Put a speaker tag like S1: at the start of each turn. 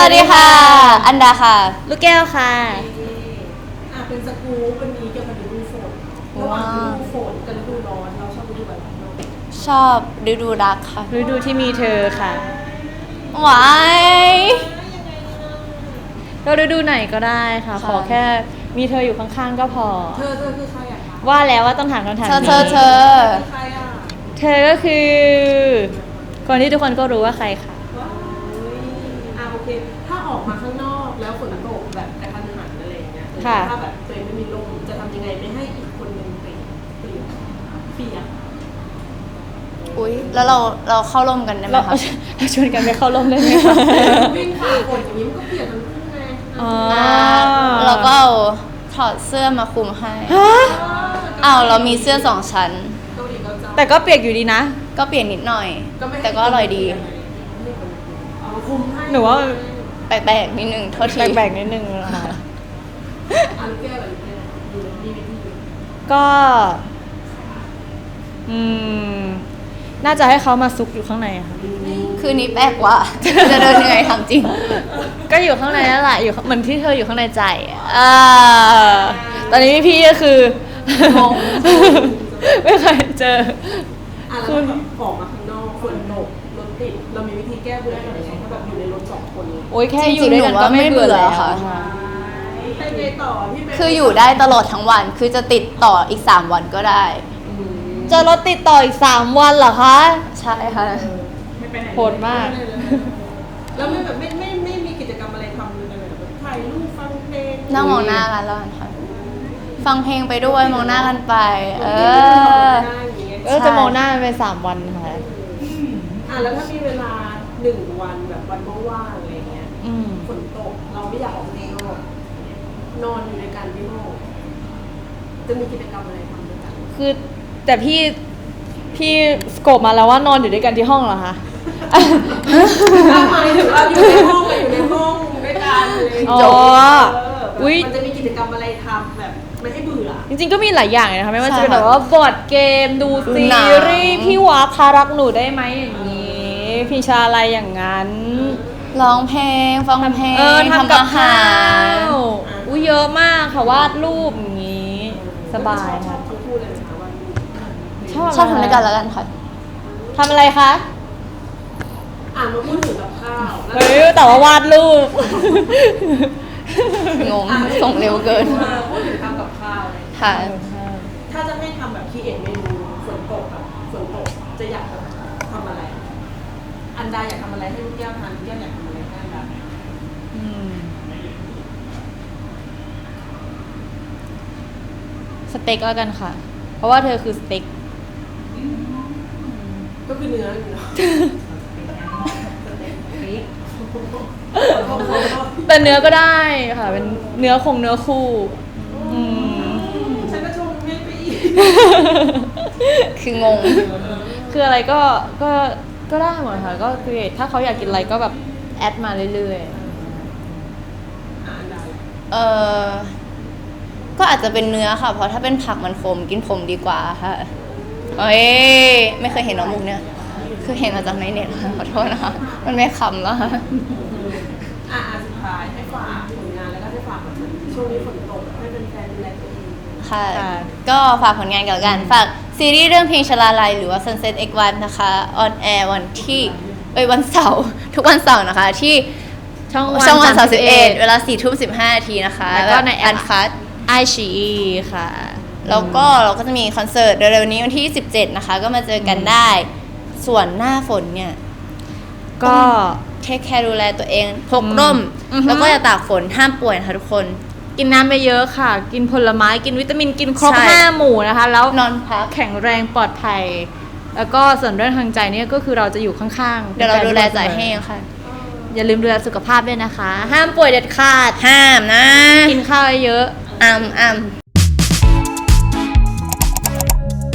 S1: วัสดีค่ะ อันดาค่ะ
S2: ลูกแก้วค่ะ
S3: เป็นสกู๊ปวันนี้เกี่ยวกับฤดูฝนระหว่างฤดูฝนกับฤดูร้อนเราชอบฤดูอะไรบ้าง
S1: ชอบฤดูรักค่ะ
S2: ฤดูที่มีเธอค่ะ
S1: หวาย
S2: ก็ฤดูไหนก็ได้ค่ะ ขอแค่มีเธออยู่ข้างๆก็พอ
S3: เธอคือใครอะคะ
S2: ว่าแล้วว่าต้องถามคำถาม
S1: เธอ
S2: นี้
S3: คือใครอะ
S2: เธอก็คือ คนที่ทุกคนก็รู้ว่าใครค่ะ
S3: ว้าวโอเคถ้าออกมาข้างนอกแล้วฝนตกแบบกระทันหันอะไรอย่างเงี้ย
S2: ค่ะ
S3: ถ้าแบบตัวเองไม่มีลมจะทำยังไงไม่ให้อีกคนนึงเปียก
S1: อุ๊ย แล้วเราเข้าร่มกันได้ไหม
S2: เรา
S1: คะ
S2: เราชวนกันไปเข้าร่มได้ไหมคะ
S3: วิ่งฝ่าฝนอย่างนี้มันก็เปียกทั้งคู่ไง
S2: อ๋อ
S1: เราก็เอาถอดเสื้อมาคลุมให้
S2: ฮะ
S1: เรามีเสื้อ2 ชั้น
S3: เกาหลีก็จะ
S2: แต่ก็เปียกอยู่ดีนะ
S1: ก็เปลี่ยนนิดหน่อย
S3: ไม่ให้
S1: แต่ก็อร่อยดี
S3: เอาคุมให้
S2: หนูว่า
S1: แปลกๆนิดนึงโทษที
S2: แบ่งๆนิดนึงนะคะ
S3: ลูกแก้วอะไรลูกแก้วอยู่มีวิธี
S2: ก็ น่าจะให้เขามาซุกอยู่ข้างในอะค่ะ
S1: คืนนี้แปลกว่า จะเดินยังไงทำจริง
S2: ก็อยู่ข้างในนั่นแหละอยู่เหมือนที่เธออยู่ข้างในใจอะตอนนี้พี่ก็คือง
S1: ง
S2: ไม่เคยเจอ
S3: แล้วถ้าแบบออกมาข้างนอกฝนตกรถติดเรามีวิธีแก้เบื่อยังไงถ้าแบบอยู่ในรถ2 คน
S2: โอ้ยแค่
S1: จริงๆ
S2: อยู่ด้วยกัน
S1: หนูว่า
S2: ก็ไม่เบื่อ
S1: ไม่เบื่อ
S2: แล้ว
S1: ค่ะ
S2: ค่ะ
S3: ไปไงต่อพี่เบน
S1: คืออยู่ได้ตลอดทั้งวัน คือจะติดต่ออีก3 วันก็ได้
S2: จะรถติดต่ออีก3 วันเหรอคะ
S1: ใช่ค่ะ
S3: ไม่ไปไหน
S2: โหดมาก
S3: แล้วไม่แบบไม่มีกิจกรรมอะไรทำเลยแบบถ่ายรูปฟังเพลง
S1: นั่งมองหน้ากันแล้วกันค่ะ ฟังเพลงไปด้วยมองหน้ากันไป
S2: จะมองหน้ามันไป3 วันค่ะ
S3: แล้วถ้ามีเวลา1 วันแบบวันว่างๆอะไรเงี้ย
S2: อืม
S3: ฝนตกเราไม่อยากออกไปข้างนอกนอนอยู่ในการที่ห้องจะมีกิจกรรมอะไรทำด้วยกัน
S2: คือแต่พี่สโกปมาแล้วว่านอนอยู่ด้วยกันที่ห้องเหรอคะ
S3: หมายถึงเราอยู่ในห้องอยู่ในห้องด้วยกันเลย
S2: อ๋อ อุ๊ย
S3: มันจะมีกิจกรรมอะไรทำแบบไม่ให้เบื่อ
S2: จริงๆก็มีหลายอย่างเลยนะคะไม่ว่าจะเป็น
S1: ใช่
S2: แบ
S1: ค่ะ
S2: บว่าบอร์ดเกมดู
S1: ดู
S2: ซี
S1: หนัง
S2: รีส์พี่วาพารักหนูได้ไหมอย่างนี้พี่ชาอะไรอย่างนั้น
S1: ร้องเพลง ฟังเพลง
S2: ทำกับ
S1: อาหา
S2: ข้าร วอุ้ยเยอะมากค่ะวาดรูปอย่างนี้สบาย
S3: ชอ
S2: ค่ะ
S3: บทั้งคู่เลยนะคะวันนี้
S1: ชอบทำด้วยกันแล้วกันค่ะ
S2: ทำอะไรคะ
S3: มาพูดถึงกับข้าวแล้ว
S2: เฮ้ยแต่ว่าวาดรูป
S1: งง ส่งเร็วเกิน
S3: พูดถึงทำกับข้าวเลย
S1: ค่ะ
S3: ถ้าจะให้ทำแบบคีเอทเมนูฝนตกแบบฝนตกจะอยากทำอะไร อันดาอยากทำอะไรให้ลูกแก้วทานลูกแก้วอยากทำอะไรให้อันดา
S2: สเต็กแล้วกันค่ะ เพราะว่าเธอคือสเต็ก
S3: ก็คือเนื้ออยู่เนาะ
S2: แต่เนื้อก็ได้ค่ะ เป็นเนื้อเนื้อคู่อืม
S3: ฉันก็ชงให้ไปอีก
S1: คืองง
S2: คืออะไรก็ได้หมดค่ะ ก็คือถ้าเขาอยากกินอะไรก็แบบแอดมาเรื่อย
S3: อันดา
S1: ก็อาจจะเป็นเนื้อค่ะ เพราะถ้าเป็นผักมันขมกินผมดีกว่าค่ะเอ้ยไม่เคยเห็นน้องมุกเนี่ย คือเห็นมาจากในเน็ตค่ะขอโทษนะคะ มันไม่ขำแล้วค่ะ
S3: สุดท้ายให้ฝากผลงานแล้วก็ให้ฝากแบบช่วงนี้ฝนตกให้เป็นแฟนดูแลตัวเอง
S1: ค่ะ ก็ฝากผลงานกับกัน ฝากซีรีส์เรื่องเพลงชลาลัยหรือว่า Sunset X One นะคะ on air วันเสาร์ทุกวันเสาร์นะคะ ที่
S2: ๆ ช่อง
S1: ช่องวัน
S2: 31
S1: 31เวลา 4:15 นาทีนะคะ
S2: แล้วก็ในแอป
S1: อันคัท
S2: ไอชีค่ะ
S1: แล้วก็เราก็จะมีคอนเสิร์ตเร็วๆนี้วันที่ 17 นะคะ ก็มาเจอกันได้ ส่วนหน้าฝนเนี่ย
S2: ก็
S1: เทคแคร์ดูแลตัวเองพกร่ม
S2: อือฮึ
S1: แล้วก็อย่าตากฝนห้ามป่วยนะคะทุกคน
S2: กินน้ำไปเยอะค่ะ กินผลไม้กินวิตามินกินครบ
S1: ใช่
S2: 5 หมู่นะคะ แล้ว
S1: นอนพัก
S2: แข็งแรงปลอดภัย แล้วก็ส่วนเรื่องทางใจเนี่ยก็คือเราจะอยู่ข้างๆ
S1: เดี๋ยวเราดูแลใจให้ค่ะ
S2: อย่าลืมดูแลสุขภาพด้วยนะคะ ห้ามป่วยเด็ดขาด
S1: ห้ามนะ
S2: กินข้าวเยอะ
S1: อ้ำ